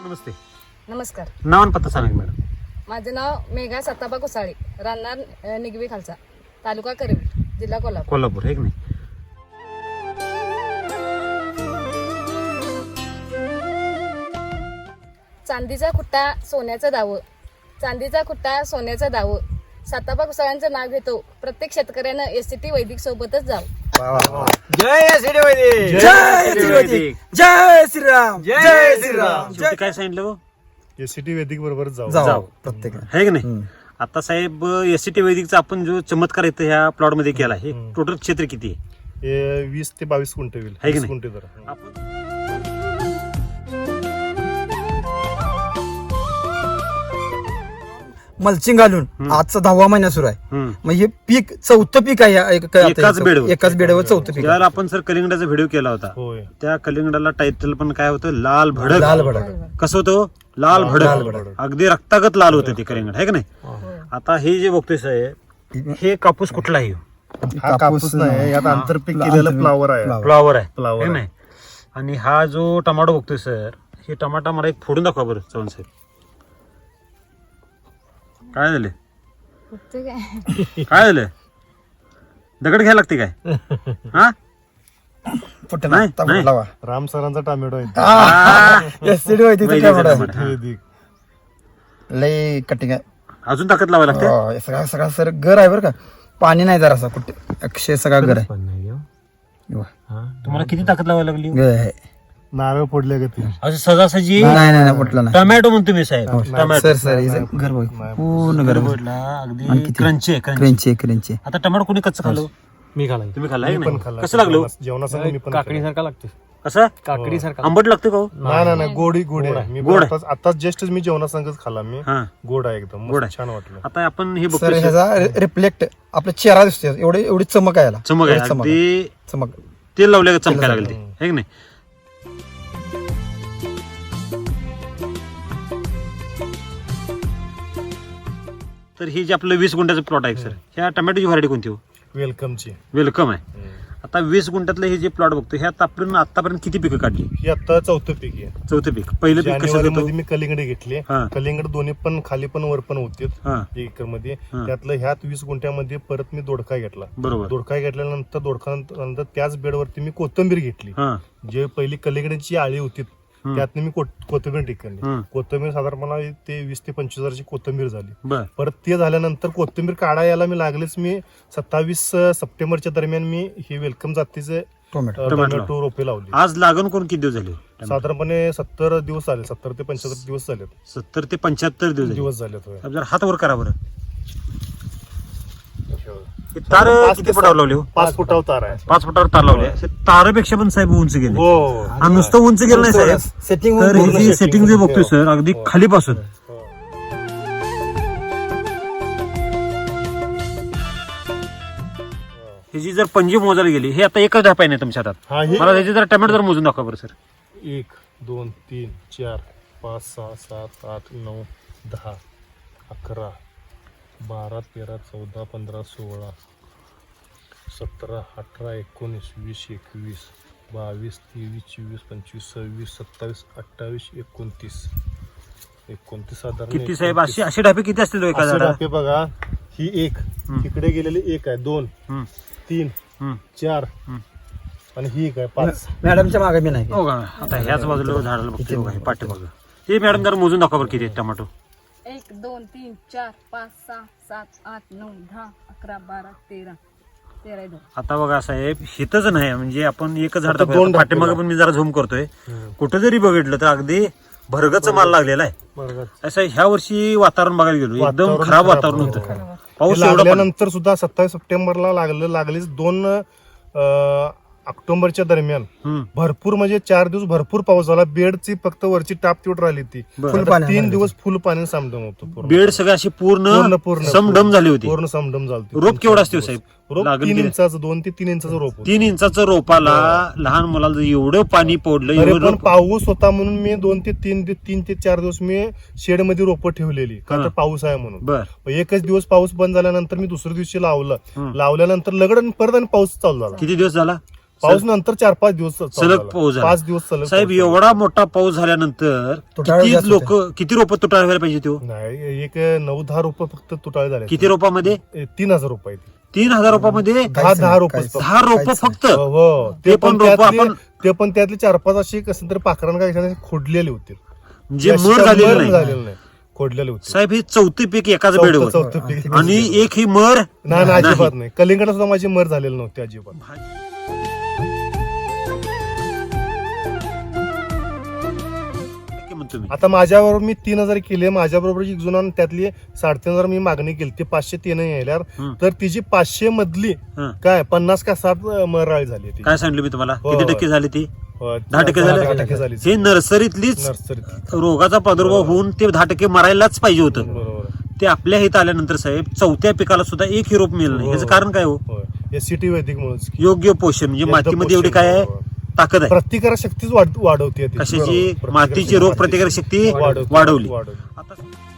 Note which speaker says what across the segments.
Speaker 1: नमस्ते.
Speaker 2: नमस्कार.
Speaker 1: नाव आणि पत्ता सांगा मॅडम.
Speaker 2: माझे नाव मेघा सत्ताबा कुसाळे, राहणार निगवी खालचा, तालुका करवीर, जिल्हा कोल्हापूर.
Speaker 1: कोल्हापूर हे की नाही.
Speaker 2: चांदीचा खुट्टा सोन्याचं दावं, चांदीचा खुट्टा सोन्याचं दावं. सत्ताबा कुसाळ्यांचं नाव घेतो. प्रत्येक शेतकऱ्यानं एसटी वैदिक सोबतच जावं.
Speaker 3: जय श्री वैदिक,
Speaker 1: जय श्री वैदिक,
Speaker 3: जय श्रीराम, जय श्रीराम.
Speaker 1: शेवटी काय सांगितलं हो?
Speaker 4: एसीटी वैदिक बरोबर जाऊ
Speaker 1: जाऊ.
Speaker 3: प्रत्येक
Speaker 1: आहे की नाही. आता साहेब एसटी वैदिकचा आपण जो चमत्कार इथं ह्या प्लॉट मध्ये केला हे टोटल क्षेत्र किती आहे?
Speaker 4: हे 20 ते 22 गुंठे होईल.
Speaker 1: आहे की
Speaker 4: 20
Speaker 1: नाही?
Speaker 4: गुंठे धरा.
Speaker 1: आपण
Speaker 3: मल्चिंग घालून आजचा 10वा महिना सुरू आहे.
Speaker 1: हम्म.
Speaker 3: मग हे पीक चौथं पीक आहे
Speaker 1: एकाच बेडवर.
Speaker 3: एकाच बेडवर चौथं पीक
Speaker 1: ज्यावेळेला आपण सर कलिंगडाचा व्हिडिओ केला होता
Speaker 4: होय.
Speaker 1: त्या कलिंगडाला टायटल पण काय होतं? लाल भडक.
Speaker 3: लाल भडक.
Speaker 1: कसं होतं? लाल
Speaker 3: लाल
Speaker 1: भडक.
Speaker 3: भडक.
Speaker 1: अगदी रक्तागत लाल होतं ते कलिंगड, आहे की नाही. आता हे जे बघतोय साहेब, हे कापूस कुठला आहे?
Speaker 4: हा कापूस नाही, यात आंतरपीक केलेलं फ्लावर आहे.
Speaker 1: फ्लॉवर आहे,
Speaker 4: फ्लॉवर
Speaker 1: है नाही. आणि हा जो टमाटो बघतोय सर, हे टमाटा मला एक फोडून दाखवा बरं चव्हाण साहेब. काय झाले? काय झालं? दगड घ्यायला लागते काय? हा नाही, नाही.
Speaker 3: लावा
Speaker 4: राम सरांचा टोमॅटो आहे.
Speaker 3: एसटी वैदिक
Speaker 1: वैदिक टमाटा. हा.
Speaker 4: वैदिक.
Speaker 3: लय कटिंग आहे.
Speaker 1: अजून ताकद लावायला लागते.
Speaker 3: हो, हे सगळा सगळा सर घर आहे बरं का. पाणी नाही जरा असं कुठे अक्षय सगळा घर आहे. वा.
Speaker 1: तुम्हाला किती ताकद लावायला लागली?
Speaker 3: घर आहे.
Speaker 4: नारळ फोडले गती.
Speaker 1: असं सहजासहजी
Speaker 3: नाही नाही कुठला नाही.
Speaker 1: टोमॅटो म्हणतो मी साहेब. टोमॅटो
Speaker 3: सर सर हिचं घर बघ पूर्ण घर बघ.
Speaker 1: अगदी क्रंची आहे, क्रंची.
Speaker 3: क्रेंची
Speaker 1: आता टोमॅटो कोणी कच्चं खाल्लं?
Speaker 5: मी खाला
Speaker 1: तुम्ही खाल्ला
Speaker 4: मी
Speaker 1: आहे
Speaker 4: पण
Speaker 1: ना?
Speaker 4: खाल्ला.
Speaker 1: कसं लागलो?
Speaker 4: जेवणासंग मी पण
Speaker 5: काकडी
Speaker 4: खाल्ला.
Speaker 5: सारखा लागतो.
Speaker 1: कसं
Speaker 5: काकडी सारखा
Speaker 1: आंबट लागतं का हो?
Speaker 4: नाही गोडी गोडी आहे. मी
Speaker 1: गोड आहे.
Speaker 4: आता जस्टच मी जेवणासंगच खाल्ला मी.
Speaker 1: हा,
Speaker 4: गोड आहे एकदम
Speaker 1: गोड
Speaker 4: मस्त
Speaker 1: आहे.
Speaker 4: छान वाटलं.
Speaker 1: आता आपण हे
Speaker 3: सर
Speaker 1: बघतोय
Speaker 3: ह्याचा रिफ्लेक्ट आपला चेहरा दिसतोय एवढी चमक आहे याला.
Speaker 1: चमक आहे,
Speaker 3: एवढी चमक
Speaker 1: अगदी
Speaker 3: चमक.
Speaker 1: तेल लावल्या का चमकायला लागले ते, है की नाही. तर ही जे आपलं 20 गुंठ्याचं प्लॉट आहे सर, ह्या टोमॅटोची व्हरायटी कोणती हो?
Speaker 4: वेलकमची.
Speaker 1: वेलकम आहे. आता 20 गुंठ्यातलं हे जे प्लॉट बघतो ह्यात आपण आतापर्यंत किती पिकं काढली?
Speaker 4: ही आता चौथं पीक आहे.
Speaker 1: चौथं पीक. पहिलं पीक कसं
Speaker 4: जानेवारी
Speaker 1: होतं?
Speaker 4: मध्ये मी कलिंगड घेतली.
Speaker 1: हा.
Speaker 4: कलिंगड दोन्ही पण खाली पण वर पण होते
Speaker 1: हा,
Speaker 4: एकर मध्ये.
Speaker 1: हा.
Speaker 4: त्यातलं ह्यात 20 गुंठ्यामध्ये परत मी दोडका घेतला.
Speaker 1: बरोबर.
Speaker 4: दोडका घेतल्यानंतर दोडकानंतर त्याच बेडवरती मी कोथिंबीर घेतली.
Speaker 1: हा,
Speaker 4: जे पहिली कलिंगडची आळी होती त्यातनं मी कोथिंबीर टिकली.
Speaker 1: हम्म.
Speaker 4: कोथिंबीर साधारणपणे ते 20 ते 25 हजारची कोथिंबीर झाली.
Speaker 1: बर.
Speaker 4: परत ते झाल्यानंतर कोथिंबीर काढायला मी लागलेच मी 27 सप्टेंबरच्या दरम्यान मी हे वेलकम जातीचे
Speaker 3: टोमॅटो
Speaker 4: टोमॅटो रोपे लावली.
Speaker 1: आज लागण करून किती दिवस झाले?
Speaker 4: साधारणपणे 70 दिवस झाले. 70 ते 75 दिवस झाले.
Speaker 1: 70 ते 75 दिवस झाले.
Speaker 4: दिवस झाले होय.
Speaker 1: अब जरा हात वर करा बरं. हे तार किती फुटावर लावले हो?
Speaker 4: 5 फुटावर तार आहे.
Speaker 1: 5 फुटावर तार लावले. असे तारापेक्षा पण साहेब उंच गेले.
Speaker 4: हो.
Speaker 1: आणि नुसतं उंच गेलं नाही साहेब,
Speaker 3: सेटिंग
Speaker 1: तर ह्याची सेटिंग जे बघतोय सर अगदी खालीपासून ह्याची जर पंजी मोजायला गेली, हे आता एकच ढाप आहे नाही तुमच्या हातात.
Speaker 4: हा, हे-
Speaker 1: मला त्याची जरा टोमॅटो जर मोजून दाखवा बरं सर.
Speaker 4: 1 2 3 4 5 6 7 8 9 10 11 12 13 14 15 16 17 18 19 20 21 22 23 24 25 26 27 28 29 साधारण
Speaker 1: किती साहेब अशी अशी ढापे किती असतील हो एका
Speaker 4: असं
Speaker 1: झाडाला?
Speaker 4: डापे बघा. ही एक तिकडे गेलेली एक आहे, 2
Speaker 1: हम्म,
Speaker 4: 3
Speaker 1: हम्म,
Speaker 4: 4
Speaker 1: हम्म.
Speaker 4: आणि ही काय 5.
Speaker 3: मॅडमच्या मागे मी नाही.
Speaker 1: हो का? आता ह्याच बाजूला झाडाला बघतोय बघा, हे पाठीमागं. हे मॅडम जरा मोजून दाखवा बरं किती आहेत टोमॅटो.
Speaker 2: 1 2 3 4 5 6 7 8 9 10 11 12 13 13
Speaker 1: आता बघा साहेब, हितच नाही म्हणजे आपण एकच झाड
Speaker 4: आता
Speaker 1: दाखवूया.
Speaker 4: दोन
Speaker 1: पाठीमागं
Speaker 4: दाखवलं.
Speaker 1: पण मी जरा झूम करतोय. कुठं जरी बघितलं तर अगदी भरगच माल लागलेला आहे.
Speaker 4: बरोबर.
Speaker 1: असं ह्या वर्षी वातावरण बघायला गेलो एकदम
Speaker 4: वातावरण
Speaker 1: खराब
Speaker 4: खराब
Speaker 1: वातावरण
Speaker 4: होतं.
Speaker 1: होतं. पाऊस
Speaker 4: हे
Speaker 1: एवढा पडला.
Speaker 4: लागल्यानंतर सुद्धा 27 सप्टेंबरला लागलीच 2 ऑक्टोबरच्या दरम्यान
Speaker 1: हम्म.
Speaker 4: भरपूर म्हणजे 4 दिवस भरपूर पाऊस झाला. बेडची फक्त वरची टाप तेवढ राहिली ती.
Speaker 1: बरं.
Speaker 3: फुल
Speaker 4: आता
Speaker 3: पाण्यात
Speaker 4: 3
Speaker 3: राहिली.
Speaker 4: दिवस फुल पाणी समडम होतो.
Speaker 1: बेड सगळी अशी पूर्ण समडम झाली होती.
Speaker 4: पूर्ण समडम झाली.
Speaker 1: रोप केवढा असते साहेब?
Speaker 4: रोप
Speaker 1: लागण
Speaker 4: 3
Speaker 1: किती?
Speaker 4: इंचाचं 2 ते 3 इंचाचं रोप होतं.
Speaker 1: 3 इंचाचं रोपाला लहान मुलाला एवढं पाणी पडलं,
Speaker 4: तरी
Speaker 1: एवढं
Speaker 4: पण
Speaker 1: रोप-
Speaker 4: पाऊस होता म्हणून मी 2 ते 4 दिवस मी शेड मध्ये रोपं ठेवलेली. का तर
Speaker 1: हा.
Speaker 4: पाऊस आहे म्हणून.
Speaker 1: बर.
Speaker 4: एकच दिवस पाऊस बंद झाल्यानंतर मी दुसऱ्या दिवशी लावलं.
Speaker 1: हम्म.
Speaker 4: लावल्यानंतर लगड परत आणि पाऊस चालू झाला.
Speaker 1: किती दिवस झाला?
Speaker 4: पाऊस नंतर 4-5 दिवस चालू
Speaker 1: सलग
Speaker 4: झाला.
Speaker 1: पाऊस झाला.
Speaker 4: 5 दिवस सलग
Speaker 1: साहेब
Speaker 4: पाऊस झाला.
Speaker 1: एवढा मोठा पाऊस झाल्यानंतर
Speaker 3: तुटाळ
Speaker 1: किती
Speaker 3: जास्त
Speaker 1: लोक किती रोप तुटाळ व्हायला पाहिजे तो
Speaker 4: नाही एक 9-10 रुपये फक्त तुटाळे झाले.
Speaker 1: किती रोपामध्ये
Speaker 4: 3,000 रुपये
Speaker 1: 3,000 रोपामध्ये
Speaker 4: 10 रुपये
Speaker 3: काहीच-
Speaker 1: 10 रोप
Speaker 3: काहीच
Speaker 1: फक्त
Speaker 4: हो
Speaker 1: ते पण रोप आपण
Speaker 4: ते पण त्यातले 4-5 अशी कसं तरी पाखरांना काय खोडलेले होते.
Speaker 1: जे मर झालेलं नाही
Speaker 4: झालेलं नाही खोडलेले होते.
Speaker 1: साहेब हे चौथे पीक एकाच बेडवर
Speaker 4: चौथं पीक.
Speaker 1: आणि एक ही मर
Speaker 4: नाही अजिबात नाही. कलिंगड सुद्धा माझी मर झालेली नव्हती अजिबात.
Speaker 1: तुम्ही
Speaker 4: आता माझ्याबरोबर मी 3,000 केले, माझ्याबरोबर एक जुना त्यातली 3,500 मी मागणी केली. ते 503 यायल्यावर
Speaker 1: हं.
Speaker 4: तर तिची 500 मधली
Speaker 1: हं.
Speaker 4: काय 50 का 60 मराळी झाली ती.
Speaker 1: काय सांगितलं मी तुम्हाला
Speaker 4: हो.
Speaker 1: किती टक्के झाली ती
Speaker 4: हो,
Speaker 1: 10% झाली?
Speaker 4: 10% झाली.
Speaker 1: हे नर्सरीतलीच
Speaker 4: नर्सरीत.
Speaker 1: रोगाचा प्रादुर्भाव होऊन ते 10% मरायलाच पाहिजे होतं
Speaker 4: बरोबर.
Speaker 1: ते आपल्या इथं आल्यानंतर साहेब चौथ्या पिकाला सुद्धा एक ही रोप मिळलं नाही
Speaker 4: हो.
Speaker 1: याचं कारण काय हो
Speaker 4: होय. SCT वैदिक म्हणून
Speaker 1: योग्य पोषण म्हणजे
Speaker 4: एकदम
Speaker 1: मातीमध्ये एवढी काय आहे
Speaker 4: पोषण.
Speaker 1: ताकद आहे
Speaker 4: प्रतिकार शक्तीच वाढवते ती.
Speaker 1: कशाची
Speaker 4: बरोबर.
Speaker 1: मातीची रोग प्रतिकारक शक्ती वाढवली आता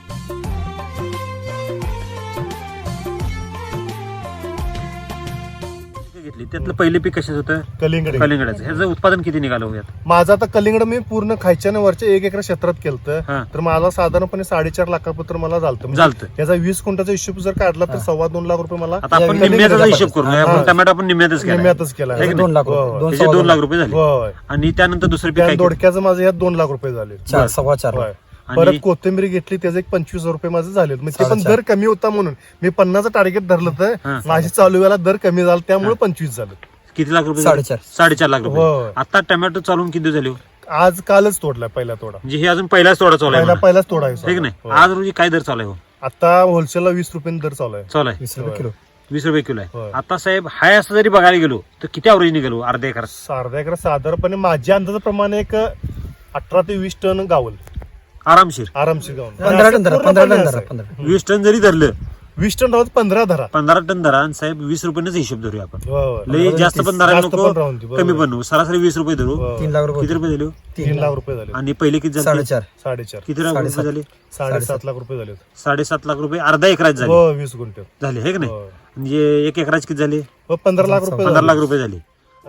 Speaker 1: घेतली त्यातलं पहिलं पीक कशाच होतं
Speaker 4: कलिंगड
Speaker 1: कलिंगडाचं ह्याचं उत्पादन किती निघालं हो यात
Speaker 4: माझं आता कलिंगड मी पूर्ण खायच्या वरच्या 1 एकर क्षेत्रात केलं
Speaker 1: हा.
Speaker 4: तर मला साधारणपणे 4.5 लाखापत्र मला झालं.
Speaker 1: झालतं.
Speaker 4: याचा 20 क्विंटलचा हिशोब जर काढला तर 2.25 लाख रुपये मला
Speaker 1: आता आपण
Speaker 3: कलिंगडाचा
Speaker 1: निम्म्याचा हिशोब करू
Speaker 4: हा.
Speaker 1: आपण टमॅटो आपण निम्म्यातच केला
Speaker 4: निम्म्यातच केला
Speaker 1: आहे की नाही?
Speaker 3: 2 लाख
Speaker 4: हो, हो.
Speaker 3: रुपये
Speaker 1: त्याचे 2 लाख रुपये झाले
Speaker 4: होय.
Speaker 1: आणि त्यानंतर दुसरं पीक
Speaker 4: त्या
Speaker 1: काय केलं?
Speaker 4: दोडक्याचं माझं यात 2 लाख रुपये झाले.
Speaker 3: 4.25
Speaker 4: होय.
Speaker 1: आणि-
Speaker 4: परत कोथिंबीर घेतली त्याचे एक 25,000 रुपये माझे झाले. म्हणजे ते पण
Speaker 3: 4.5
Speaker 4: दर कमी होता म्हणून मी 50चं टार्गेट धरलं
Speaker 1: हा.
Speaker 4: तर माझी चालू वेळेला दर कमी झाला त्यामुळे 25 झालं.
Speaker 1: किती लाख रुपये
Speaker 3: 4.5.
Speaker 1: 4.5 लाख
Speaker 4: हो.
Speaker 1: रुपये आता टमॅटो चालून किती झाले हो?
Speaker 4: आज कालच तोडला पहिला तोडा.
Speaker 1: म्हणजे हे अजून पहिलाच तोडा चालू आहे म्हणा.
Speaker 4: पहिलाच तोडा आहे.
Speaker 1: हे की नाही
Speaker 4: हो.
Speaker 1: आज रोजी काय दर चालू आहे हो?
Speaker 4: आता होलसेलला 20 रुपये दर चालू आहे.
Speaker 1: चालू आहे
Speaker 3: 20 रुपये किलो
Speaker 1: 20 रुपये किलो
Speaker 4: होय.
Speaker 1: आहे आता साहेब हाय असं जरी बघायला गेलो तर किती अवरेज निघालो अर्ध्या एकरात
Speaker 4: अर्धा एकर साधारणपणे माझ्या अंदाजाप्रमाणे एक 18 ते 20 टन गावल
Speaker 1: आरामशीर
Speaker 4: आरामशीर गावल.
Speaker 3: 15 टन धरा, 15 टन
Speaker 4: असं
Speaker 3: धरा,
Speaker 4: आहे.
Speaker 3: 15.
Speaker 1: 20 टन जरी धरलं
Speaker 4: 20 टन राहत 15 धरा.
Speaker 1: 15 टन धरा आणि साहेब 20 रुपयानेच हिशोब धरूया आपण
Speaker 4: हो, हो.
Speaker 1: लई जास्त पण धरायला
Speaker 4: जास्त
Speaker 1: नको
Speaker 4: पण राहून दे, बरोबर.
Speaker 1: कमी बनवू सरासरी 20 रुपये धरू
Speaker 4: हो.
Speaker 3: 3 लाख रुपये
Speaker 1: किती रुपये झाले हो?
Speaker 4: 3 लाख रुपये झाले.
Speaker 1: आणि पहिले किती झाले
Speaker 3: 4.5
Speaker 4: 4.5
Speaker 1: किती लाख रुपये झाले
Speaker 4: 7.5 लाख रुपये झाले.
Speaker 1: 7.5 लाख रुपये अर्धा एकरात झाले
Speaker 4: हो 20 गुंठे
Speaker 1: झाले हे की नाही
Speaker 4: हो.
Speaker 1: म्हणजे 1 एकराचे किती झाले
Speaker 4: हो, 15 लाख रुपये
Speaker 1: 15
Speaker 4: झाले.
Speaker 1: लाख रुपये झाले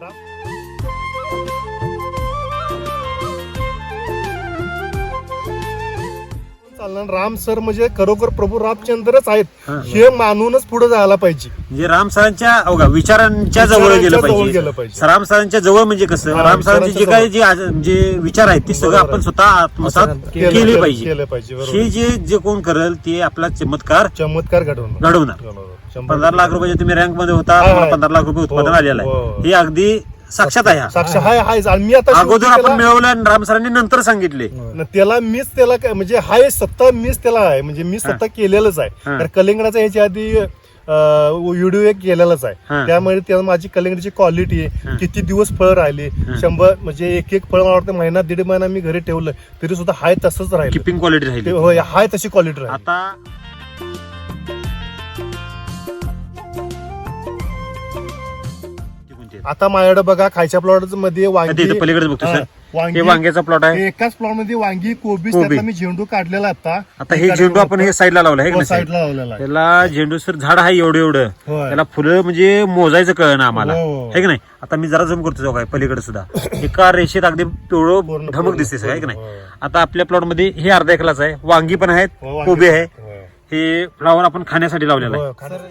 Speaker 4: चालणार राम सर म्हणजे खरोखर प्रभू रामचंद्रच आहेत
Speaker 1: हा.
Speaker 4: हे मानूनच पुढे जायला पाहिजे.
Speaker 1: म्हणजे राम सरांच्या अवघा विचारांच्या जवळ
Speaker 4: विचारांच्या
Speaker 1: गेलं
Speaker 4: जवळ
Speaker 1: पाहिजे
Speaker 4: गेलं पाहिजे.
Speaker 1: राम सरांच्या जवळ म्हणजे कसं
Speaker 4: हा,
Speaker 1: राम सरांचे जे
Speaker 4: विचारांच्या
Speaker 1: काय जे विचार आहेत ते सगळं
Speaker 4: बरोबर
Speaker 1: आपण
Speaker 4: आहे.
Speaker 1: स्वतः आत्मसात केले पाहिजे
Speaker 4: केलं पाहिजे बरोबर.
Speaker 1: हे जे कोण करेल ते आपला चमत्कार
Speaker 4: चमत्कार घडवणार
Speaker 1: घडवणार
Speaker 4: बरोबर. 100
Speaker 1: 15 लाख रुपये तुम्ही रँक मध्ये होता
Speaker 4: हाय,
Speaker 1: तुम्हाला
Speaker 4: हाय.
Speaker 1: 15 लाख रुपये उत्पादन
Speaker 4: हो,
Speaker 1: आलेलं आहे
Speaker 4: हो.
Speaker 1: हे अगदी साक्षात आहे हा.
Speaker 4: साक्ष हाय आणि मी आता
Speaker 1: अगोदर
Speaker 4: शेवटी
Speaker 1: आपण
Speaker 4: त्याला-
Speaker 1: मिळवलं आणि राम सरांनी नंतर सांगितले
Speaker 4: त्याला मीच त्याला म्हणजे हाय स्वतः मीच त्याला आहे म्हणजे मी स्वतः केलेलंच आहे.
Speaker 1: हा.
Speaker 4: तर कलिंगडाचा ह्याच्या आधी व्हिडिओ एक केलेलाच
Speaker 1: हा.
Speaker 4: आहे. त्यामुळे त्याला माझी कलिंगडची क्वालिटी आहे किती दिवस फळ राहिली 100 म्हणजे एक फळ मला वाटतं महिना 1.5 महिना मी घरी ठेवलं तरी सुद्धा हाय तसंच राहिलं.
Speaker 1: किपिंग क्वालिटी राहिली
Speaker 4: ते होय हाय तशी क्वालिटी राहिली.
Speaker 1: आता
Speaker 4: आता माझ्याकडे बघा खायच्या प्लॉट मध्ये वांगी
Speaker 1: इथं पलीकडे बघतो
Speaker 4: हा,
Speaker 1: सर
Speaker 4: वांगी
Speaker 1: हे वांग्याचा प्लॉट आहे
Speaker 4: एकाच प्लॉट मध्ये वांगी कोबीज
Speaker 1: कोबी.
Speaker 4: त्यातला मी झेंडू काढलेला
Speaker 1: आता हे झेंडू आपण हे साईडला लावलं आहे का नाही
Speaker 4: साईडला लावलेला आहे.
Speaker 1: त्याला झेंडू सर झाड आहे एवढं एवढं
Speaker 4: होय.
Speaker 1: त्याला फुलं म्हणजे मोजायचं कळणं आम्हाला
Speaker 4: हो.
Speaker 1: आहे की नाही आता मी जरा जम करतो काय पलीकडे सुद्धा एका रेषेत अगदी पिवळं
Speaker 4: पूर्ण-
Speaker 1: धमक
Speaker 4: पूर्ण.
Speaker 1: दिसते आहे की नाही
Speaker 4: होय.
Speaker 1: आता आपल्या प्लॉट मध्ये हे अर्धा एकलाच आहे वांगी पण आहेत
Speaker 4: हो, वांगी.
Speaker 1: कोबी आहे
Speaker 4: होय.
Speaker 1: हे फ्लावर आपण खाण्यासाठी लावलेलं आहे
Speaker 4: होय, खाणार.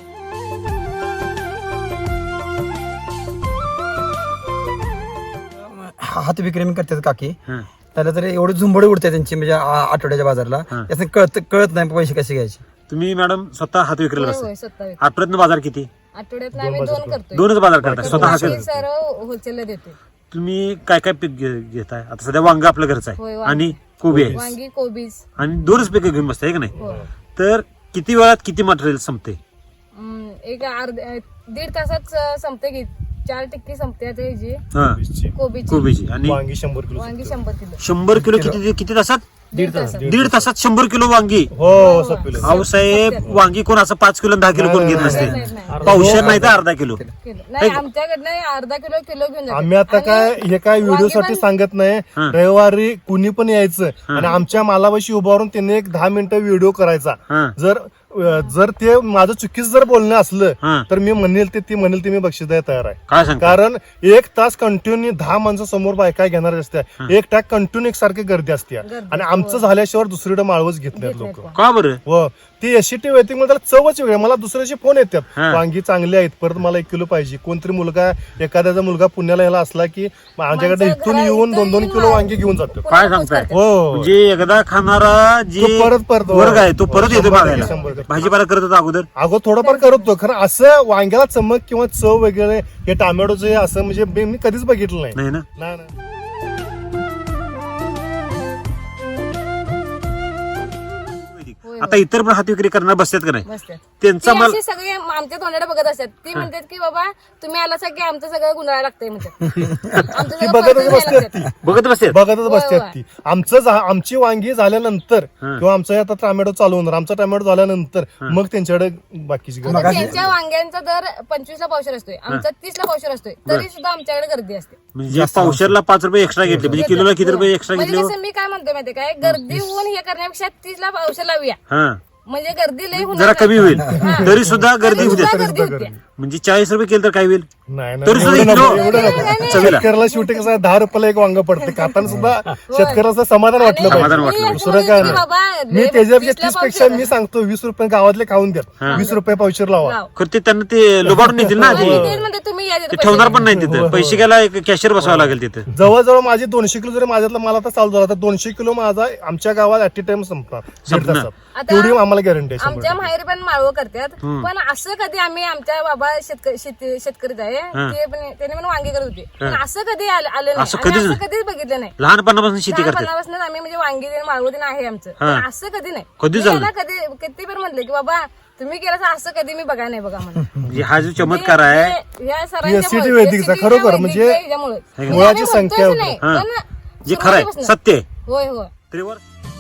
Speaker 3: हात विक्री करतात काकी
Speaker 1: हं.
Speaker 3: त्याला तर एवढे झुंबडे उडते त्यांची म्हणजे आठवड्याच्या बाजारला
Speaker 1: हा.
Speaker 3: त्याचं कळत नाही पैसे कसे घ्यायचे.
Speaker 1: तुम्ही मॅडम स्वतः हात विक्रेला
Speaker 2: होय,
Speaker 1: असता
Speaker 2: होय, स्वतः विकतो.
Speaker 1: आठवड्यातनं बाजार किती
Speaker 2: आठवड्यात आम्ही 2 करतोय.
Speaker 1: 2च बाजार करताय स्वतः हात
Speaker 2: बाकी
Speaker 1: विक्रेला.
Speaker 2: सर्व होलसेलला देतोय.
Speaker 1: तुम्ही काय काय पीक घेताय आता सध्या वांग आपलं घरचं
Speaker 2: होय,
Speaker 1: आहे
Speaker 2: वांगी.
Speaker 1: आणि कोबी आहे
Speaker 2: वांगी कोबीज
Speaker 1: आणि 2च पिकं घेऊन बसताय का नाही
Speaker 2: होय.
Speaker 1: तर किती वेळात किती मटेरियल संपते
Speaker 2: एक 1.5 तासात संपते की 4 टिक्की संपते आता ह्याची
Speaker 1: हा
Speaker 2: कोबीची
Speaker 1: कोबीची आणि
Speaker 4: वांगी 100 किलो
Speaker 2: वांगी 100 किलो
Speaker 1: 100 किलो किती किती तासात
Speaker 2: 1.5 तासात
Speaker 1: 1.5 तासात 100 किलो वांगी
Speaker 4: हो सपिल
Speaker 1: अहो साहेब वांगी कोण असं 5 किलो 10 किलो कोण घेत
Speaker 2: नाही,
Speaker 1: नसते
Speaker 2: नाही.
Speaker 1: पावशेर नाही तर अर्धा किलो
Speaker 2: किलो नाही आमच्याकडनं अर्धा किलो घेऊन जातो.
Speaker 4: आम्ही आता
Speaker 2: आणि
Speaker 4: काय हे काय व्हिडिओ
Speaker 2: वांगी
Speaker 4: साठी
Speaker 2: पण-
Speaker 4: सांगत नाही
Speaker 1: हा.
Speaker 4: रविवारी कुणी पण यायचं आणि आमच्या मालापाशी उभारून त्यांनी एक 10 मिनिटं व्हिडिओ करायचा
Speaker 1: हा
Speaker 4: जर जर ते माझं चुकीचं जर बोलणं असलं
Speaker 1: हा.
Speaker 4: तर मी म्हणेल ते ती म्हणेल ते मी बक्षीस द्यायला तयार आहे.
Speaker 1: काय सांगता
Speaker 4: कारण 1 तास कंटिन्यू 10 माणसं समोर बायका घेणार असत्या, 1 तास कंटिन्यू एकसारखी गर्दी असते आणि आमचं झाल्याशिवाय दुसरीकडे माळवच घेत नाहीत लोक.
Speaker 1: का बरं
Speaker 4: व ती एसटी वैदिक मध्ये त्याला चवच वेगळी. मला दुसऱ्याचे फोन येतात,
Speaker 1: हा.
Speaker 4: वांगी चांगली आहेत, परत मला 1 किलो पाहिजे. कोणतरी मुलगा एखाद्याचा मुलगा पुण्याला यायला असला की माझ्याकडे
Speaker 2: माणसं
Speaker 4: इथून
Speaker 2: घरा-
Speaker 4: येऊन
Speaker 2: इथं
Speaker 4: 2-2
Speaker 2: येऊन
Speaker 4: किलो वांगी घेऊन जातो.
Speaker 1: काय सांगताय
Speaker 4: हो
Speaker 1: म्हणजे एकदा खाणारा जे
Speaker 4: तो परत
Speaker 1: वर्ग आहे तो परत येतो
Speaker 4: 100%
Speaker 1: बघायला.
Speaker 4: 100%.
Speaker 1: भाजीपाला करत होता अगोदर
Speaker 4: थोडंफार करतो खरं. असं वांग्याला चमक किंवा चव वगैरे हे टोमॅटोचे असं म्हणजे मी कधीच बघितलं नाही.
Speaker 1: नाही ना.
Speaker 4: नाही, नाही.
Speaker 1: आता इतर पण हात विक्री करणार बसतात का नाही
Speaker 2: बसतात.
Speaker 1: त्यांचा
Speaker 2: ती
Speaker 1: माल
Speaker 2: अशी सगळी आमच्या तोंडाकडे बघत असतात. ती म्हणतात की बाबा तुम्ही आला की आमचं सगळं गुंडाळा लागतंय म्हणतात. आमचं
Speaker 4: ती
Speaker 2: सगळं
Speaker 4: बघतच
Speaker 2: परत
Speaker 4: बसतात
Speaker 2: न्यायला
Speaker 4: ती
Speaker 2: लागतात.
Speaker 1: बघत बसतात
Speaker 4: बघतच
Speaker 2: होय,
Speaker 4: बसतात
Speaker 2: होय.
Speaker 4: ती. आमची वांगी झाल्यानंतर किंवा आमचं आता टोमॅटो चालू होणार, आमचा टोमॅटो झाल्यानंतर मग त्यांच्याकडे बाकीची गर्दी.
Speaker 2: आता त्यांच्या वांग्यांचा दर 25 ला पावशेर असतोय, आमचा 30 ला पावशेर असतोय, तरी सुद्धा आमच्याकडे गर्दी असते.
Speaker 1: म्हणजे पावशेरला 5 रुपये एक्स्ट्रा घेतले म्हणजे किलोला किती रुपये एक्स्ट्रा
Speaker 2: म्हणजे
Speaker 1: घेतले
Speaker 2: कसं मी काय म्हणतोय माहिती काय, गर्दी होऊन हे करण्यापेक्षा 30 ला पावशेर लावूया,
Speaker 1: हा
Speaker 2: म्हणजे गर्दी लई होणार
Speaker 1: जरा कमी
Speaker 2: नाही.
Speaker 1: होईल
Speaker 2: हा.
Speaker 1: तरी सुद्धा गर्दी होते
Speaker 2: सुद्धा गर्दी होते.
Speaker 1: म्हणजे 40 रुपये केलं तर काय होईल
Speaker 4: नाही
Speaker 1: तरी सुद्धा
Speaker 4: एवढं
Speaker 1: इकडं-
Speaker 4: नको, एवढं नको.
Speaker 1: चवीला.
Speaker 4: शेतकऱ्याला शेवटी कसं आहे, 10 रुपयाला एक वांग पडते खाताना सुद्धा शेतकऱ्याचं समाधान वाटलं
Speaker 2: आणि
Speaker 1: समाधान
Speaker 4: पाहिजे.
Speaker 1: वाटलं.
Speaker 2: मी
Speaker 4: दुसरं
Speaker 2: असं
Speaker 4: काय
Speaker 2: म्हणते की बाबा,
Speaker 4: नाही. मी
Speaker 2: लय
Speaker 4: त्याच्यापेक्षा
Speaker 2: 30 ला
Speaker 4: 30 पेक्षा मी सांगतो 20 रुपये गावातले खाऊन द्या, 20 रुपये पावशेर लावा.
Speaker 2: लाव.
Speaker 1: खरं ते त्यांना ते लोबाडून येतील ना
Speaker 2: मी
Speaker 1: ते
Speaker 2: तेच म्हणते, तुम्ही या
Speaker 1: ते
Speaker 2: तिथं
Speaker 1: ठेवणार
Speaker 2: पैसे
Speaker 1: पण नाही तिथं पैसे घ्यायला एक कॅशियर बसवावं लागेल तिथं
Speaker 4: जवळजवळ माझे 200 किलो जरी माझ्यातला मला आता चालू झाला तर 200 किलो माझा आमच्या गावात ऍट टाइम संपणार.
Speaker 1: संपणार.
Speaker 2: आता
Speaker 4: तेवढी आम्हाला गॅरंटी आहे.
Speaker 2: आमच्या माहेरी पण माळवं करतात, पण असं कधी आम्ही आमच्या बाबा शेतकरीच आहे, ते पण त्याने पण वांगी करत होते, पण असं कधी आलं नाही,
Speaker 1: असं
Speaker 2: आणि
Speaker 1: कधीच
Speaker 2: असं कधीच बघितलं नाही.
Speaker 1: लहानपणापासून शेती करतात
Speaker 2: लहानपणापासून आम्ही म्हणजे वांगी देणं माळवं देणं आहे आमचं, पण असं कधी नाही.
Speaker 1: कधी
Speaker 2: मी
Speaker 1: झालं?
Speaker 2: याला कधी किती पण म्हणले की बाबा तुम्ही केलं असं कधी मी बघा नाही बघा म्हणून.
Speaker 1: म्हणजे हा जो चमत्कार आहे
Speaker 2: या
Speaker 4: SCT वैदिकचा खरोखर म्हणजे मुळाची संख्या होती.
Speaker 1: हा. जे खरं आहे सत्य आहे
Speaker 2: होय होय.
Speaker 1: त्रिवर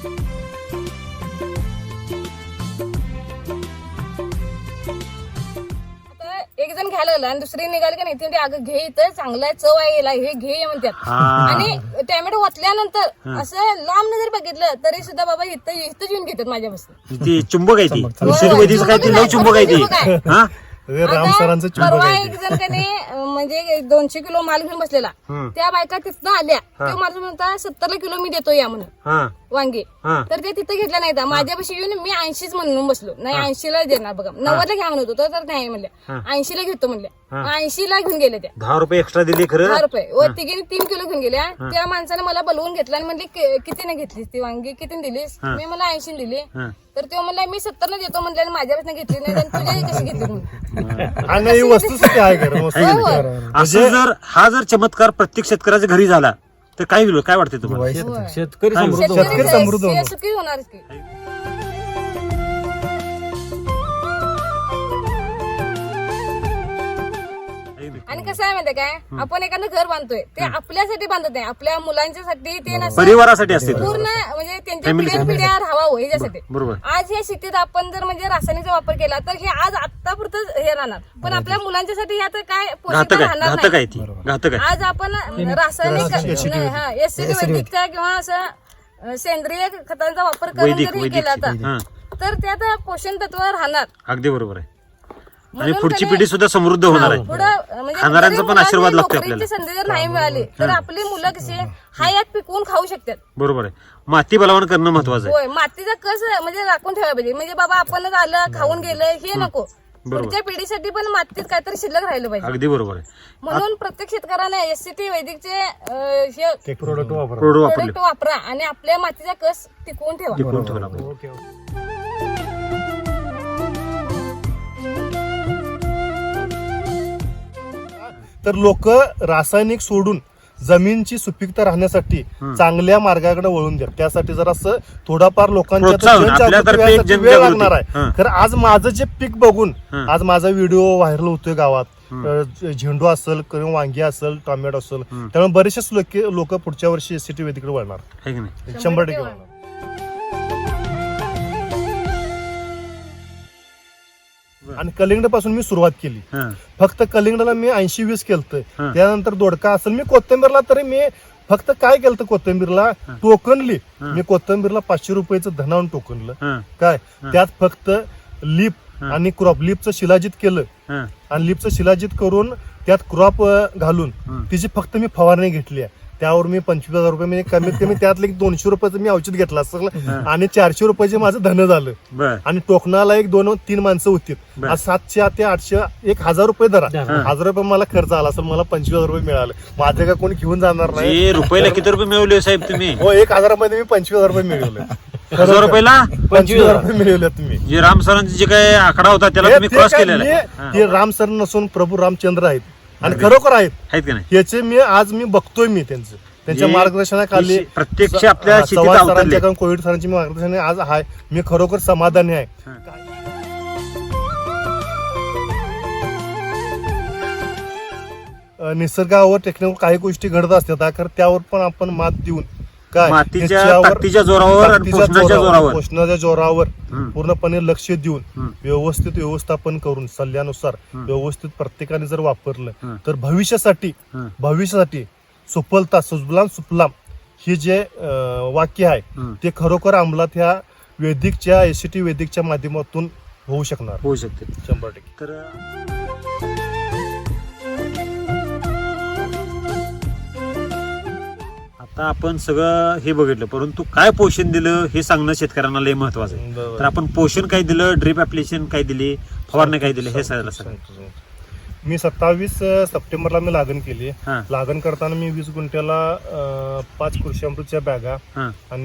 Speaker 2: आता एक जण घ्यायला लागला आणि दुसरी निघाली का नाही, ती म्हणते, अगं घे इथं चांगला आहे, चव आहे याला, हे घे म्हणतात.
Speaker 1: हा.
Speaker 2: आणि टोमॅटो वाचल्यानंतर असं लांब जर बघितलं तरी सुद्धा बाबा इथं येऊन घेतात माझ्यापासून.
Speaker 1: ती चुंबक आहे ती
Speaker 2: होय,
Speaker 1: शेती वैदिकचं काय ते लव चुंबक आहे ती
Speaker 2: चुंबक आहे.
Speaker 1: हा
Speaker 4: हे राम
Speaker 2: आता
Speaker 4: सरांचं चुंबक
Speaker 2: परवा
Speaker 4: आहे
Speaker 2: एक जण का नाही, म्हणजे 200 किलो माल घेऊन बसलेला, त्या बायका तिथनं आल्या, ते मला म्हणता 70 किलो मी देतो या म्हणून
Speaker 1: हा
Speaker 2: वांगे,
Speaker 1: हा.
Speaker 2: तर ते तिथे घेतलं नाही. माझ्यापाशी येऊन मी 80च म्हणून बसलो, नाही 80ला देणार बघा, 90ला घ्या म्हणत होतो, तर नाही म्हणल्या, 80ला घेतो म्हणल्या, 80ला घेऊन गेले त्या
Speaker 1: 10 रुपये एक्स्ट्रा दिले खरं
Speaker 2: 10 रुपये व तिघीने 3 किलो घेऊन गेल्या. त्या माणसाने मला बोलवून घेतला आणि म्हणले किती नाही घेतलीस ती वांगी, किती दिलीस? मी मला 80 दिली, तर तो म्हणला मी 70ला देतो म्हणले आणि माझ्यापासून घेतली नाही, आणि तुझ्या कशी घेतली म्हणून.
Speaker 4: आणि ही वस्तुस्थिती आहे खरं, वस्तुस्थिती आहे.
Speaker 1: असं जर हा जर चमत्कार प्रत्येक शेतकऱ्याच्या घरी झाला तर काय होईल काय वाटते तुम्हाला
Speaker 3: शेतकरी
Speaker 4: शेतकरी समृद्ध होणार.
Speaker 2: सुखी होणारच की. आणि कसं आहे माहितीये काय, आपण एखादं घर बांधतोय ते आपल्यासाठी बांधत नाही, आपल्या मुलांच्यासाठी ते नसतं,
Speaker 1: परिवारासाठी असते ते.
Speaker 2: पूर्ण म्हणजे त्यांच्या पिढ्या राहावं ह्याच्यासाठी.
Speaker 1: बरोबर
Speaker 2: आज या शेतीत आपण जर म्हणजे रासायनिकचा वापर केला तर हे आज आतापुरतं हे राहणार, पण आपल्या मुलांच्यासाठी ह्यात काय पौष्टिकता
Speaker 1: घातक आहे
Speaker 2: राहणार
Speaker 1: घातक
Speaker 2: नाही.
Speaker 1: आहे ती घातक आहे
Speaker 2: आज आपण रासायनिक एससीटी वैदिकचा किंवा असं सेंद्रिय खतांचा वापर करून
Speaker 1: वैदिक
Speaker 2: जरी
Speaker 1: वैदिक
Speaker 2: केला
Speaker 1: हा
Speaker 2: तर त्यात पोषण तत्व राहणार.
Speaker 1: अगदी बरोबर आहे आणि
Speaker 2: म्हणून
Speaker 1: पुढची
Speaker 2: त्याने-
Speaker 1: पिढी सुद्धा समृद्ध होणार आहे
Speaker 2: पुढं म्हणजे
Speaker 1: खाणाऱ्यांचा
Speaker 2: जरी
Speaker 1: पण आशीर्वाद
Speaker 2: मुलांनी
Speaker 1: लागतो
Speaker 2: नोकरीची
Speaker 1: आपल्याला.
Speaker 2: संधी जर नाही मिळाली तर आपली मुलं कशी हा यात पिकवून खाऊ शकतात.
Speaker 1: बरोबर आहे माती बलवान करणं महत्वाचं आहे
Speaker 2: होय, मातीचा कस म्हणजे राखून ठेवायला पाहिजे, म्हणजे बाबा आपणच आलं खाऊन गेलं हे नको, पुढच्या पिढीसाठी पण मातीत काहीतरी शिल्लक राहिलं पाहिजे.
Speaker 1: अगदी बरोबर आहे
Speaker 2: म्हणून प्रत्येक शेतकऱ्याने एससीटी वैदिकचे हे
Speaker 4: प्रोडक्ट वापरा.
Speaker 1: प्रोडक्ट वापरले
Speaker 2: प्रोडक्ट वापरा आणि आपल्या मातीचा कस टिकवून ठेवा.
Speaker 1: टिकवून ठेवला पाहिजे.
Speaker 4: तर लोक रासायनिक सोडून जमीनची सुपीकता राहण्यासाठी चांगल्या मार्गाकडे वळून द्या. त्यासाठी जरा असं थोडाफार लोकांच्या
Speaker 1: प्रोत्साहन,
Speaker 4: जनजागृती
Speaker 1: आपल्यातर्फे एक
Speaker 4: व्हायसाठी वेळ
Speaker 1: जनजागृती.
Speaker 4: लागणार आहे.
Speaker 1: हं.
Speaker 4: तर आज माझं जे पीक बघून
Speaker 1: हं.
Speaker 4: आज माझा व्हिडिओ व्हायरल होतोय गावात, झेंडू असेल किंवा वांगी असेल टोमॅटो असेल, त्यामुळे बरेचसेच लोक पुढच्या वर्षी एससीटी वैदिकडे वळणार,
Speaker 1: आहे की नाही
Speaker 4: 100% वळणार. आणि कलिंगड पासून मी सुरुवात केली.
Speaker 1: हा.
Speaker 4: फक्त कलिंगडाला मी 80-20 केलतं. त्यानंतर दोडका असेल. मी कोथिंबीरला तरी मी फक्त काय केलं कोथिंबीरला टोकनली, मी कोथिंबीरला 500 रुपयाचं धनावून टोकनलं.
Speaker 1: हा.
Speaker 4: काय त्यात फक्त लिप आणि क्रॉप. लिपचं शिलाजित केलं
Speaker 1: हा.
Speaker 4: आणि लिपचं शिलाजित करून त्यात क्रॉप घालून तिची फक्त मी फवारणी घेतली आहे. त्यावर मी 25,000 रुपये म्हणजे कमीत कमी त्यातलं एक 200 रुपयाचं मी औषध घेतलं असं आणि 400 रुपयाचे माझं धन झालं.
Speaker 1: बर
Speaker 4: आणि टोकनाला एक 2-3 माणसं होती. आज 700 ते 800 1000 रुपये धरा. 1000 रुपये मला खर्च आला असेल, मला 25,000 रुपये मिळाले. माझं का कोणी घेऊन जाणार नाही.
Speaker 1: हे रुपयाला किती रुपये मिळवले साहेब तुम्ही?
Speaker 4: हो, 1000 मध्ये मी 25,000 रुपये मिळवले.
Speaker 1: 1000 रुपयाला
Speaker 4: 25,000 रुपये मिळवले तुम्ही.
Speaker 1: जे राम सरांचे जे काय आकडा होता त्याला तुम्ही क्रॉस केलेला आहे. हा.
Speaker 4: ते राम सर नसून प्रभू रामचंद्र आहेत आणि खरोखर आहेत.
Speaker 1: आहेत का नाही?
Speaker 4: याचे मी आज बघतोय मी त्यांच्या
Speaker 1: हे
Speaker 4: मार्गदर्शनाखाली
Speaker 1: प्रत्यक्ष आपल्या शेतीत
Speaker 4: चव्हाण
Speaker 1: अवतरले.
Speaker 4: सरांच्या कोविड सरांची मार्गदर्शन आज आहे. मी खरोखर समाधानी आहे. निसर्गावर टेक्निकल काही गोष्टी घडत असतात, तर त्यावर पण आपण मात देऊन काय
Speaker 1: मातीच्या ताकदीच्या जोरावर आणि पोषणाच्या जोरावर
Speaker 4: पोषणाच्या जोरावर
Speaker 1: हम्म.
Speaker 4: पूर्णपणे लक्ष देऊन
Speaker 1: हम्म.
Speaker 4: व्यवस्थित व्यवस्थापन करून सल्ल्यानुसार व्यवस्थित प्रत्येकाने जर वापरलं
Speaker 1: हम्म.
Speaker 4: तर भविष्यासाठी सुफलता सुजलाम सुफलाम हे जे वाक्य आहे
Speaker 1: हम्म.
Speaker 4: ते खरोखर अंमलात ह्या वैदिकच्या एसीटी वैदिकच्या माध्यमातून होऊ शकणार
Speaker 1: होऊ शकते.
Speaker 4: 100%.
Speaker 1: तर आता आपण सगळं हे बघितलं, परंतु काय पोषण दिलं हे सांगणं शेतकऱ्यांना लय महत्वाचं आहे.
Speaker 4: बरोबर.
Speaker 1: तर आपण पोषण काय दिलं, ड्रिप ऍप्लिकेशन काय दिली, फवारणी काय दिली हे सांगायला सांगा.
Speaker 4: मी 27 सप्टेंबरला मी लागण केली.
Speaker 1: हा.
Speaker 4: लागण करताना मी 20 गुंठ्याला 5 कृषी अमृतच्या बॅगा
Speaker 1: हा.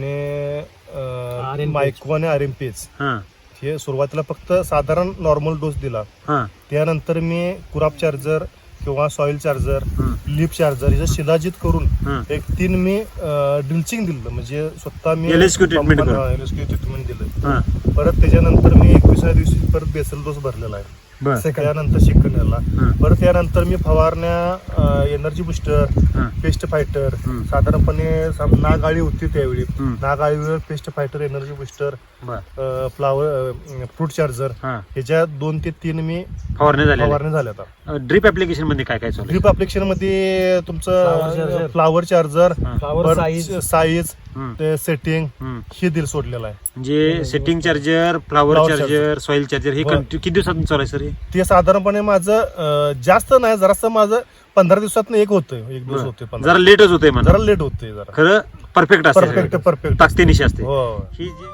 Speaker 4: आणि मायको आणि आरएमपीएच
Speaker 1: हा.
Speaker 4: हे सुरुवातीला फक्त साधारण नॉर्मल डोस दिला.
Speaker 1: हा.
Speaker 4: त्यानंतर मी कुराप चार्जर किंवा सॉइल चार्जर,
Speaker 1: हम्म.
Speaker 4: लिप चार्जर हे शिलाजित करून
Speaker 1: हम्म.
Speaker 4: एक 3 मी ड्रिल्चिंग दिलं. म्हणजे स्वतः मी
Speaker 1: LSQ treatment करून.
Speaker 4: LSQ ट्रीटमेंट दिलं.
Speaker 1: हा.
Speaker 4: परत त्याच्यानंतर मी 21व्या दिवशी परत बेसल डोस भरलेला आहे.
Speaker 1: बर.
Speaker 4: त्यानंतर शिकण्याला
Speaker 1: हं.
Speaker 4: परत त्यानंतर मी फवारण्या एनर्जी बुस्टर,
Speaker 1: हं.
Speaker 4: पेस्ट फायटर,
Speaker 1: हं.
Speaker 4: साधारणपणे नागाळी होती त्यावेळी.
Speaker 1: हं.
Speaker 4: नागाळीवर पेस्ट फायटर, एनर्जी बुस्टर,
Speaker 1: बर.
Speaker 4: फ्लावर फ्रूट चार्जर
Speaker 1: हा.
Speaker 4: ह्याच्या 2 ते 3 मी
Speaker 1: फवारणी झाली.
Speaker 4: फवारण्या झाल्या. आता
Speaker 1: ड्रिप ऍप्लिकेशन मध्ये काय काय चालू आहे?
Speaker 4: ड्रिप ऍप्लिकेशन मध्ये तुमचं फ्लावर चार्जर, साईज,
Speaker 1: हं.
Speaker 4: सेटिंग
Speaker 1: हं.
Speaker 4: हे दिल सोडलेलं आहे.
Speaker 1: म्हणजे setting charger, flower
Speaker 4: Flower
Speaker 1: charger, soil charger हे
Speaker 4: बर.
Speaker 1: किती दिवसातून चालू आहे सर हे?
Speaker 4: ते साधारणपणे माझं जास्त नाही, जरासं माझं 15 दिवसात एक होतं. एक दिवस होते 15.
Speaker 1: जरा लेटच होतंय म्हणा.
Speaker 4: जरा लेट होते जरा.
Speaker 1: खरं परफेक्ट असते.
Speaker 4: परफेक्ट
Speaker 1: ताकदीनिशी असते.
Speaker 4: हो.
Speaker 1: ही जी-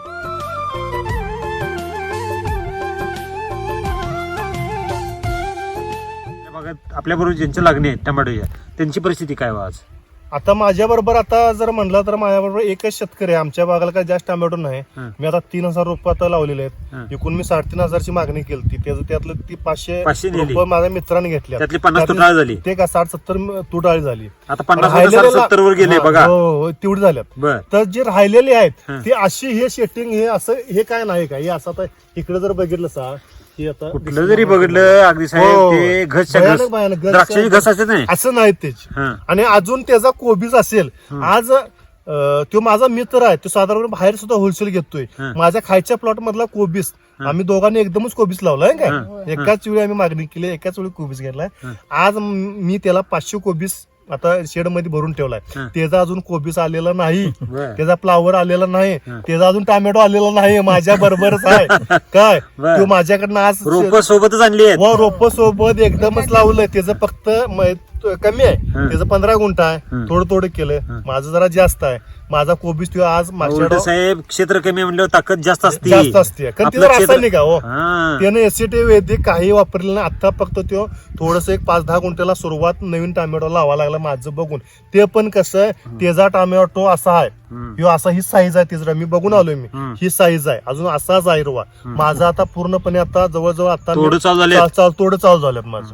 Speaker 1: या भागात आपल्या बरोबर ज्यांच्या लागणी आहेत टमाटोच्या, त्यांची परिस्थिती काय व्हा आज?
Speaker 4: आता माझ्या बरोबर आता जर म्हणलं तर माझ्या बरोबर एकच शेतकरी आहे. आमच्या भागाला काय जास्त टोमॅटो नाही.
Speaker 1: हं.
Speaker 4: मी आता 3,000 रुपये आता लावलेले आहेत.
Speaker 1: हं.
Speaker 4: एकूण मी 3,500ची मागणी केली. त्यातलं ती 500
Speaker 1: 500 नेली.
Speaker 4: रुपये माझ्या मित्राने घेतल्या.
Speaker 1: त्यातली 50 तुटाळ झाली.
Speaker 4: ते का 60-70 तुटाळी झाली.
Speaker 1: आता 50
Speaker 4: राहिलेल्या-
Speaker 1: 70 वर गेले
Speaker 4: हा,
Speaker 1: बघा.
Speaker 4: हो, तेवढी झाल्यात.
Speaker 1: बर.
Speaker 4: तर जे राहिलेले आहेत
Speaker 1: हं.
Speaker 4: ते अशी हे सेटिंग हे असं हे काय नाही का, हे असं आता इकडे जर बघितलं सा हे आता
Speaker 1: कुठलं जरी बघितलं अगदी साहेब
Speaker 4: हो.
Speaker 1: ते घसच्या
Speaker 4: भयानक,
Speaker 1: घस
Speaker 4: भयानक. घसच्या
Speaker 1: द्राक्षाची घस असते नाही.
Speaker 4: असं नाही त्याची.
Speaker 1: हं.
Speaker 4: आणि अजून त्याचा कोबीज असेल. आज तो माझा मित्र आहे, तो साधारण बाहेर सुद्धा होलसेल घेतोय.
Speaker 1: हं.
Speaker 4: माझ्या खायच्या प्लॉट मधला कोबीज आम्ही दोघांनी एकदमच कोबीज लावलाय काय. एकाच वेळी आम्ही मागणी केली, एकाच वेळी कोबीज घेतलाय. आज मी त्याला 500 कोबीज आता शेड मध्ये भरून ठेवलाय.
Speaker 1: हं.
Speaker 4: त्याचा अजून कोबीज आलेला नाही,
Speaker 1: बर.
Speaker 4: त्याचा फ्लावर आलेला नाही,
Speaker 1: हं.
Speaker 4: त्याचा अजून टोमॅटो आलेला नाही. माझ्या बरोबरच आहे काय.
Speaker 1: बर.
Speaker 4: तो माझ्याकडनं आज
Speaker 1: रोप सोबतच आणली आहेत.
Speaker 4: रोप सोबत एकदमच लावलंय. त्याचं फक्त कमी आहे.
Speaker 1: हं.
Speaker 4: त्याचं 15 गुंठा आहे.
Speaker 1: हं.
Speaker 4: थोडं केलंय. माझं जरा जास्त आहे. माझा कोबीज तो आज
Speaker 1: उलट
Speaker 4: मागच्या
Speaker 1: साहेब क्षेत्र कमी म्हणल्यावर ताकद जास्त असते.
Speaker 4: जास्त असते. कारण
Speaker 1: आपलं
Speaker 4: तिथं
Speaker 1: क्षेत्र-
Speaker 4: रासायनिक आहे हो.
Speaker 1: हा.
Speaker 4: त्याने एसीटी वैदिक काही वापरलेलं नाही. आता फक्त तो थोडस एक 5-10 गुंठ्याला सुरुवात नवीन टोमॅटो लावा लागला माझं बघून. ते पण कसं आहे, त्याचा टोमॅटो असा आहे, ह्यो असा ही साईज आहे. तिसरा मी बघून आलोय. मी ही साईज आहे, अजून असाच आहे रुवा. माझा आता पूर्णपणे आता जवळजवळ आता
Speaker 1: तोडं चालू झाले.
Speaker 4: तोडं चालू झालं माझं.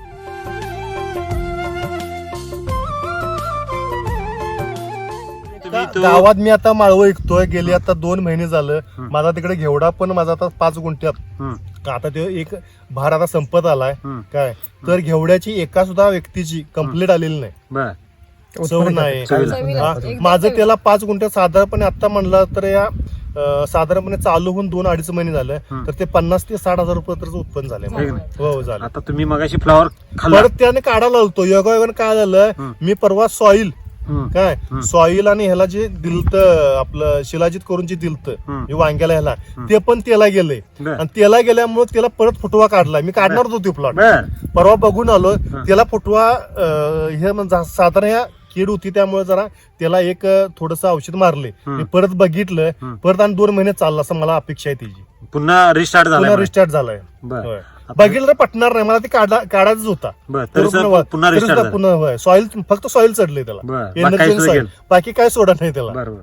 Speaker 1: तुम्ही तो-
Speaker 4: गावात मी आता माळवं विकतोय. गेले आता 2 महिने झालं. माझा तिकडे घेवडा पण माझा आता 5 गुंठ्यात.
Speaker 1: हं.
Speaker 4: आता ते एक भार आता संपत आलाय
Speaker 1: हं.
Speaker 4: काय. तर घेवड्याची एका सुद्धा व्यक्तीची कंप्लीट आलेली नाही.
Speaker 1: बर.
Speaker 4: चव नाही.
Speaker 1: चवीला.
Speaker 4: हा, माझं त्याला 5 गुंठ्यात साधारणपणे आता म्हणलं तर या साधारणपणे चालू होऊन 2-2.5 महिने झालं. तर ते 50,000 ते 60,000 रुपये तर उत्पन्न झाले.
Speaker 1: आहे का नाही?
Speaker 4: हो झालं.
Speaker 1: आता तुम्ही मगाशी फ्लावर खाल्ला.
Speaker 4: परत त्याने काढायला होतो. योगायोगाने काय झालं, मी परवा सॉइल काय सॉईल आणि ह्याला जे दिलत आपलं शिलाजीत करून जे दिलत हे वांग्याला ह्याला ते पण त्याला गेलंय
Speaker 1: बर.
Speaker 4: आणि त्याला गेल्यामुळे त्याला परत फुटवा काढला. मी काढणार होतो ते प्लॉट
Speaker 1: बर.
Speaker 4: परवा बघून आलो त्याला फुटवा हे म्हणजे साधारण ह्या कीड होती त्यामुळे जरा त्याला एक थोडस औषध मारले. मी परत बघितलं परत आणि 2 महिने चालला असं मला अपेक्षा आहे त्याची.
Speaker 1: पुन्हा रिस्टार्ट झाला
Speaker 4: पुन्हा रिस्टार्ट झालाय.
Speaker 1: बर.
Speaker 4: होय. बघितलं तर पटणार नाही मला ते काढायच होता.
Speaker 1: बर. तरी सुद्धा पुन्हा restart झालं.
Speaker 4: पुन्हा सॉइल फक्त सॉइल चढले त्याला
Speaker 1: बर. बाकी
Speaker 4: Energy
Speaker 1: काही
Speaker 4: आणि
Speaker 1: सुद्धा
Speaker 4: soil.
Speaker 1: गेलं.
Speaker 4: बाकी काय सोडा नाही त्याला.
Speaker 1: बरोबर.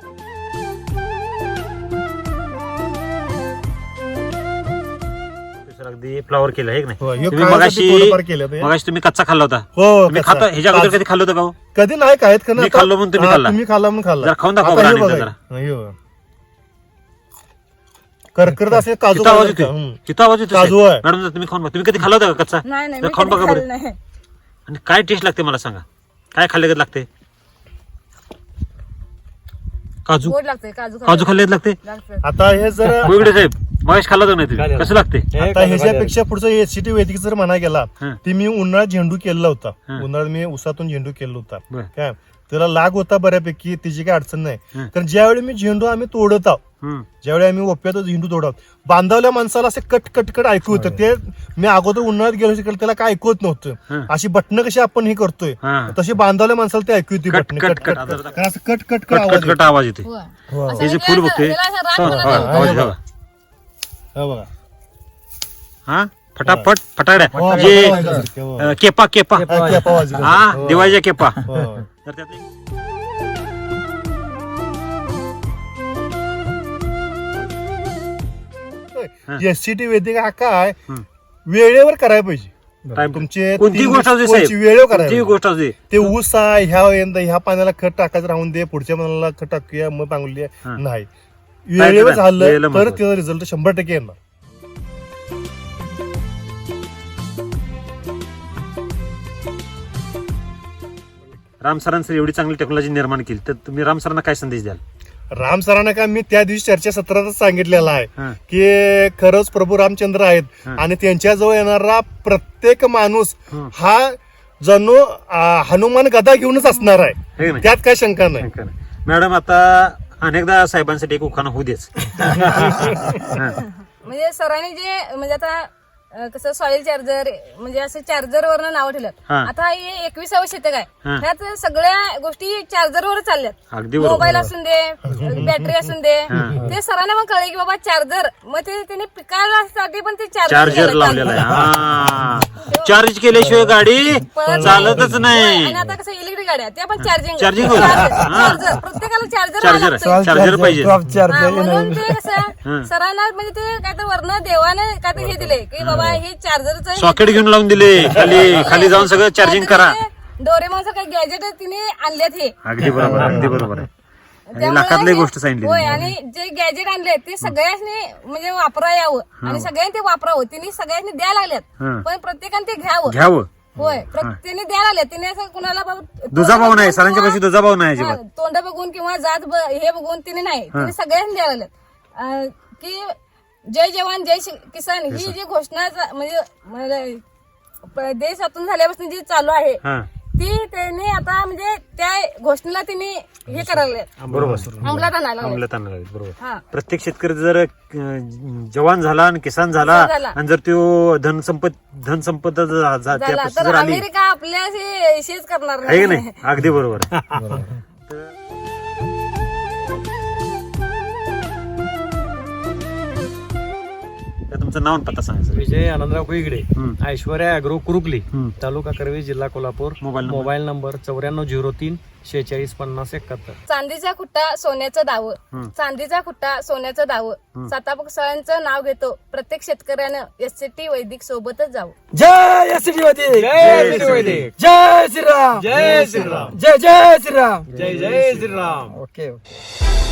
Speaker 1: अगदी फ्लॉवर केलं आहे की नाही?
Speaker 4: होय. ह्यो
Speaker 1: तुम्ही
Speaker 4: खाण्यासाठी थोडंफार केलं होतं.
Speaker 1: मगाशी तुम्ही कच्चा खाल्ला होता.
Speaker 4: हो
Speaker 1: तुम्ही
Speaker 4: कच्चा.
Speaker 1: खाता ह्याच्या अगोदर कधी खाल्लं होतं का हो?
Speaker 4: कधी नाही काय
Speaker 1: मी खाल्लो म्हणून तुम्ही खाल्ला.
Speaker 4: तुम्ही खाल्ला म्हणून खाल्ला.
Speaker 1: जरा खाऊन दाखवा
Speaker 4: आता
Speaker 1: बरं
Speaker 4: हे
Speaker 1: आणि
Speaker 4: बघा.
Speaker 1: जरा.
Speaker 4: हे बघा. करकरत असे काजू
Speaker 1: किती आवाज
Speaker 4: घालायचे.
Speaker 1: येतोय? किती आवाज येतोय
Speaker 4: काजू
Speaker 1: साहेब?
Speaker 4: आहे.
Speaker 1: मॅडम तुम्ही खाऊन बघा. तुम्ही कधी खाल्ला होता का कच्चा?
Speaker 2: नाही नाही
Speaker 1: जरा
Speaker 2: मी
Speaker 1: खाऊन
Speaker 2: कधी
Speaker 1: बघा
Speaker 2: खाल्लं
Speaker 1: बरं.
Speaker 2: नाही.
Speaker 1: आणि काय टेस्ट लागते मला सांगा. काय खाल्ले लागते? काजू
Speaker 2: गोड लागतंय काजू
Speaker 1: काजू खाल्ले लागते?
Speaker 2: लागतंय.
Speaker 4: आता हे जर
Speaker 1: वेगळे साहेब मगाशी खाल्ला होता नाही तुम्ही? कसं लागते?
Speaker 4: आता ह्याच्यापेक्षा पुढचं एससीटी वैदिक जर म्हणा गेला
Speaker 1: हं.
Speaker 4: ते मी उन्हाळ्यात झेंडू केलेला होता.
Speaker 1: हं.
Speaker 4: उन्हाळ्यात मी उसातून झेंडू केलेला होता.
Speaker 1: बर.
Speaker 4: काय त्याला लाग होता बऱ्यापैकी त्याची काही अडचण नाही.
Speaker 1: हं.
Speaker 4: कारण ज्यावेळी मी झेंडू आम्ही तोडत आहोत
Speaker 1: हम्म.
Speaker 4: ज्यावेळी आम्ही ओप्यात झेंडू तोडत बांधावल्या माणसाला असे कट कट कट ऐकू होतं. ते मी अगोदर उन्हाळ्यात गेलो तिकडे त्याला काय ऐकू होत
Speaker 1: हं.
Speaker 4: नव्हतं. अशी बटणं कशी आपण हे करतोय
Speaker 1: हां.
Speaker 4: तशी बांधावल्या माणसाला ते ऐकू होती
Speaker 1: कट,
Speaker 4: बटणं
Speaker 1: cut,
Speaker 4: cut cut
Speaker 1: cut.
Speaker 4: Cut. कारण असं कट कट कट
Speaker 1: कट
Speaker 4: आवाज
Speaker 1: कट कट आवाज येते.
Speaker 2: होय.
Speaker 4: येतो.
Speaker 2: असं
Speaker 1: हे जे
Speaker 2: म्हणजे
Speaker 1: फुल
Speaker 2: असं-
Speaker 1: बघतोय.
Speaker 2: त्याला असं राग
Speaker 1: हा,
Speaker 2: करत
Speaker 1: हा,
Speaker 2: नाही.
Speaker 1: आवाज येतो बघा.
Speaker 4: हे बघा.
Speaker 1: हा फटाफट फटाड्या
Speaker 4: हो,
Speaker 1: जे
Speaker 4: आवाज येतो. हो.
Speaker 1: केपा केपा
Speaker 4: हा, केप आवाज येतो.
Speaker 1: हा
Speaker 4: हो.
Speaker 1: दिवाळीच्या केपा.
Speaker 4: हो.
Speaker 1: तर त्यातले-
Speaker 4: एससीटी वैदिक हा काय
Speaker 1: हं.
Speaker 4: वेळेवर करायला पाहिजे.
Speaker 1: टाइम-
Speaker 4: तुमचे
Speaker 1: कोणतीही
Speaker 4: 3
Speaker 1: गोष्ट असू दे
Speaker 4: कोणची
Speaker 1: साहेब.
Speaker 4: वेळेवर
Speaker 1: कोणतीही
Speaker 4: करायला
Speaker 1: गोष्ट असू दे.
Speaker 4: ते ऊस आहे ह्या पाण्याला खत टाकायचं राहून दे पुढच्या पाण्याला खत टाकूया मग पांगुया
Speaker 1: हं.
Speaker 4: नाही
Speaker 1: वेळेला
Speaker 4: वेळेवर झालं तर
Speaker 1: महत्त्वाचं.
Speaker 4: त्याचा रिझल्ट 100% येणार.
Speaker 1: राम सरांनी एवढी चांगली टेक्नॉलॉजी निर्माण केली तर तुम्ही राम सरांना काय संदेश द्याल?
Speaker 4: राम सरांना काय मी त्या दिवशी चर्चासत्रातच सांगितलेलं आहे
Speaker 1: हं.
Speaker 4: की खरंच प्रभू रामचंद्र आहेत
Speaker 1: हं.
Speaker 4: आणि त्यांच्याजवळ येणारा प्रत्येक माणूस
Speaker 1: हं.
Speaker 4: हा जणू हनुमान गदा घेऊनच असणार
Speaker 1: हे
Speaker 4: आहे.
Speaker 1: नाही.
Speaker 4: त्यात काय शंका नाही.
Speaker 1: मॅडम आता अनेकदा साहेबांसाठी एक उखाणं होऊ देच.
Speaker 2: म्हणजे सरांनी जे म्हणजे आता कसं सॉइल चार्जर म्हणजे असं चार्जर वरनं नाव ठेवलं.
Speaker 1: हा.
Speaker 2: आता हे 21व शतक आहे.
Speaker 1: हा.
Speaker 2: ह्यात सगळ्या गोष्टी चार्जर वर चालल्यात.
Speaker 1: अगदी बरोबर.
Speaker 2: मोबाईल असून दे बॅटरी असून दे ते सरांना मग कळलं की बाबा चार्जर मग ते त्याने पिकासाठी पण ते
Speaker 1: चार्जर लावलेला आहे. हा चार्ज केल्याशिवाय गाडी चालतच नाही.
Speaker 2: आणि आता कसं इलेक्ट्रिक गाड्या त्या पण चार्जिंग
Speaker 1: Charging होतं. हा.
Speaker 2: चार्जर प्रत्येकाला
Speaker 1: चार्जर
Speaker 2: चार्जर
Speaker 1: चार्जर पाहिजे.
Speaker 2: म्हणून ते
Speaker 1: हं.
Speaker 2: कसं सरांना म्हणजे ते काय तर वरनं देवाने काय तर हे दिले की बाबा हे चार्जरचं
Speaker 1: सॉकेट घेऊन लावून दिले खाली जाऊन सगळं चार्जिंग करा.
Speaker 2: डोरेमॉनचं काही गॅजेट तिने आणलेत हे
Speaker 1: अगदी बरोबर अगदी बरोबर आहे.
Speaker 2: त्यामुळे
Speaker 1: लाखातली
Speaker 2: हे-
Speaker 1: गोष्ट सांगितली
Speaker 2: होय
Speaker 1: तुम्ही.
Speaker 2: आणि जे गॅजेट आणले ते सगळ्यांनी म्हणजे वापरा यावं आणि सगळ्यांनी ते वापरावं तिने सगळ्यांनी द्यायला लागल्यात
Speaker 1: हं.
Speaker 2: पण प्रत्येकाने ते घ्यावं
Speaker 1: घ्यावं.
Speaker 2: होय तिने द्यायला लागल्यात तिने असं कुणाला बाबा
Speaker 1: दुजा भाऊ नाही सरांच्या पाशी दुजा भाऊ नाही
Speaker 2: हा,
Speaker 1: अजिबात.
Speaker 2: तोंड बघून किंवा जात हे बघून तिने नाही तिने सगळ्यांनी द्यायला लागल्यात की जय जवान जय किसान ही जी घोषणा म्हणजे देशातून झाल्यापासून जी चालू आहे
Speaker 1: हा
Speaker 2: ती त्याने आता म्हणजे त्या घोषणेला तिने हे करायला लागल्यात.
Speaker 1: बरोबर
Speaker 2: अंमलात आणायला लागल्यात.
Speaker 1: अंमलात आणायला लागेल. बरोबर.
Speaker 2: हा
Speaker 1: प्रत्येक शेतकरी जर जवान झाला आणि किसान झाला
Speaker 2: किसान झाला.
Speaker 1: आणि जर तो धनसंपदा
Speaker 2: झाला
Speaker 1: त्यापासून
Speaker 2: तर
Speaker 1: जर आली
Speaker 2: अमेरिका आपल्याशी शेच करणार
Speaker 1: आहे की
Speaker 2: नाही.
Speaker 1: नाही अगदी बरोबर आहे. तर तुमचं नाव आणि पत्ता सांगायचं.
Speaker 5: विजय आनंदराव कुईगडे
Speaker 1: हम्म.
Speaker 5: ऐश्वर्या अॅग्रो कुरुकली
Speaker 1: हम्म.
Speaker 5: तालुका करवी जिल्हा Kolhapur
Speaker 1: mobile number.
Speaker 5: Mobile number 9403 46 50 71.
Speaker 2: चांदीचा खुट्टा सोन्याचं दावं
Speaker 1: हम्म.
Speaker 2: चांदीचा खुट्टा सोन्याचं दावं सातापक्षांचं नाव घेतो प्रत्येक शेतकऱ्यानं एसटी वैदिक सोबतच जावं.
Speaker 3: जय एसटी वैदिक जय श्रीराम
Speaker 5: जय श्रीराम
Speaker 3: जय जय श्रीराम
Speaker 5: जय जय श्रीराम.
Speaker 3: ओके